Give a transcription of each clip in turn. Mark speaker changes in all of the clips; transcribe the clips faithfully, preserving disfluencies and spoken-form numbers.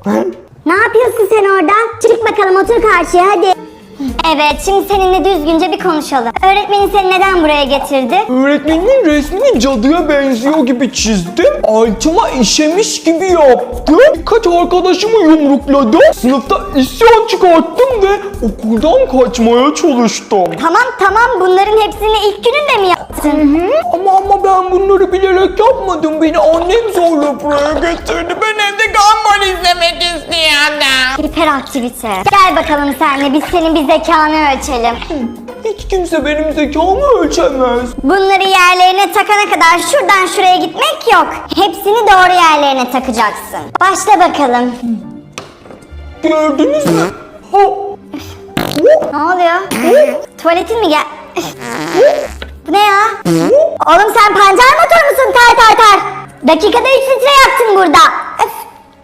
Speaker 1: Ne yapıyorsun sen orada? Çık bakalım, otur karşıya hadi. Evet, şimdi seninle düzgünce bir konuşalım. Öğretmenin seni neden buraya getirdi?
Speaker 2: Öğretmenin resmini cadıya benziyor gibi çizdim. Altıma işemiş gibi yaptım. Birkaç arkadaşımı yumrukladım. Sınıfta isyan çıkarttım ve okuldan kaçmaya çalıştım.
Speaker 1: Tamam tamam, bunların hepsini ilk gününde mi yaptın?
Speaker 2: Hı, ama ama ben bunları bilerek yapmadım. Beni annem zorla buraya getirdi. Ben evde Gumball izlemek istiyordum.
Speaker 1: Hiperaktivite. Gel bakalım senle, biz senin bir zekanı ölçelim.
Speaker 2: Hiç kimse benim zekamı ölçemez.
Speaker 1: Bunları yerlerine takana kadar şuradan şuraya gitmek yok. Hepsini doğru yerlerine takacaksın. Başla bakalım.
Speaker 2: Gördünüz mü? Ha.
Speaker 1: Ne oluyor? Tuvaletin mi gel? Bu ne ya? Oğlum sen pancar motor musun? Tar tar tar. Dakikada üç litre yaktın burada. Öf.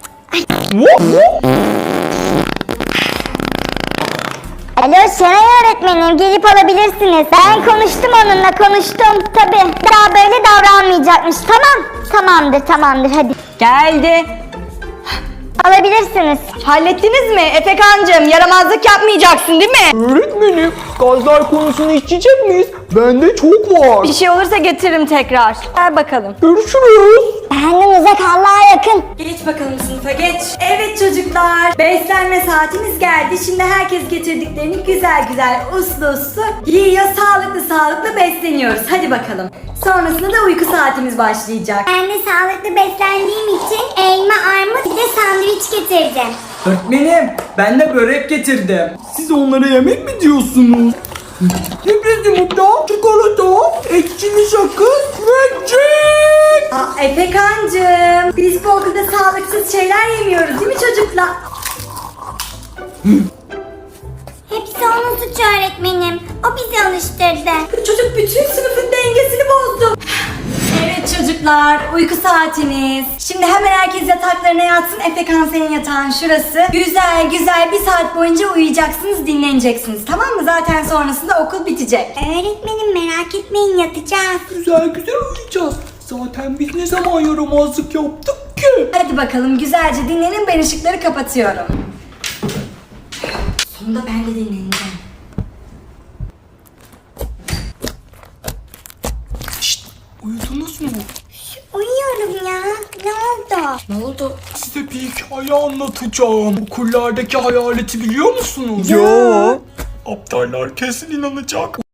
Speaker 1: Alo Şenay öğretmenim, gelip alabilirsiniz. Ben konuştum onunla, konuştum. Tabii daha böyle davranmayacakmış. Tamam, tamamdır tamamdır hadi.
Speaker 3: Geldi.
Speaker 1: Alabilirsiniz.
Speaker 3: Hallettiniz mi? Efekancığım, yaramazlık yapmayacaksın değil mi?
Speaker 2: Öğretmenim, gazlar konusunu içecek miyiz? Bende çok var.
Speaker 3: Bir şey olursa getiririm tekrar. Ver bakalım.
Speaker 2: Görüşürüz.
Speaker 1: Kendim uzak, Allah'a yakın.
Speaker 3: Geç bakalım sınıfa geç. Evet çocuklar, beslenme saatimiz geldi. Şimdi herkes getirdiklerini güzel güzel uslu uslu yiyor, sağlıklı sağlıklı besleniyoruz. Hadi bakalım. Sonrasında da uyku saatimiz başlayacak.
Speaker 1: Ben de sağlıklı beslendiğim için elma, armut bir de sandviç getirdim.
Speaker 4: Öğretmenim, ben de börek getirdim.
Speaker 2: Siz onlara yemek mi diyorsunuz? Sürpriz yumurta, çikolata, ekşili sakız ve cek.
Speaker 3: Aa, Efekancığım, biz bu okulda sağlıksız şeyler yemiyoruz değil mi çocuklar?
Speaker 1: Hepsi onun suçu öğretmenim. O bizi alıştırdı.
Speaker 3: Bu çocuk bütün sınıfın dengesini bozdu. Evet çocuklar, uyku saatiniz. Şimdi hemen herkes yataklarına yatsın. Efekan senin yatağın şurası. Güzel güzel bir saat boyunca uyuyacaksınız, dinleneceksiniz. Tamam mı? Zaten sonrasında okul bitecek.
Speaker 1: Öğretmenim merak etmeyin, yatacağız.
Speaker 2: Güzel güzel uyuyacağız. Zaten biz ne zaman yaramazlık yaptık ki?
Speaker 3: Hadi bakalım güzelce dinlenin, ben ışıkları kapatıyorum. Sonunda ben de dinleneceğim.
Speaker 2: Şşt, uyudunuz mu?
Speaker 1: Uyuyorum ya. Ne oldu?
Speaker 3: Ne oldu?
Speaker 2: Size bir hikaye anlatacağım. Okullardaki hayaleti biliyor musunuz?
Speaker 4: Yo.
Speaker 2: Aptallar kesin inanacak.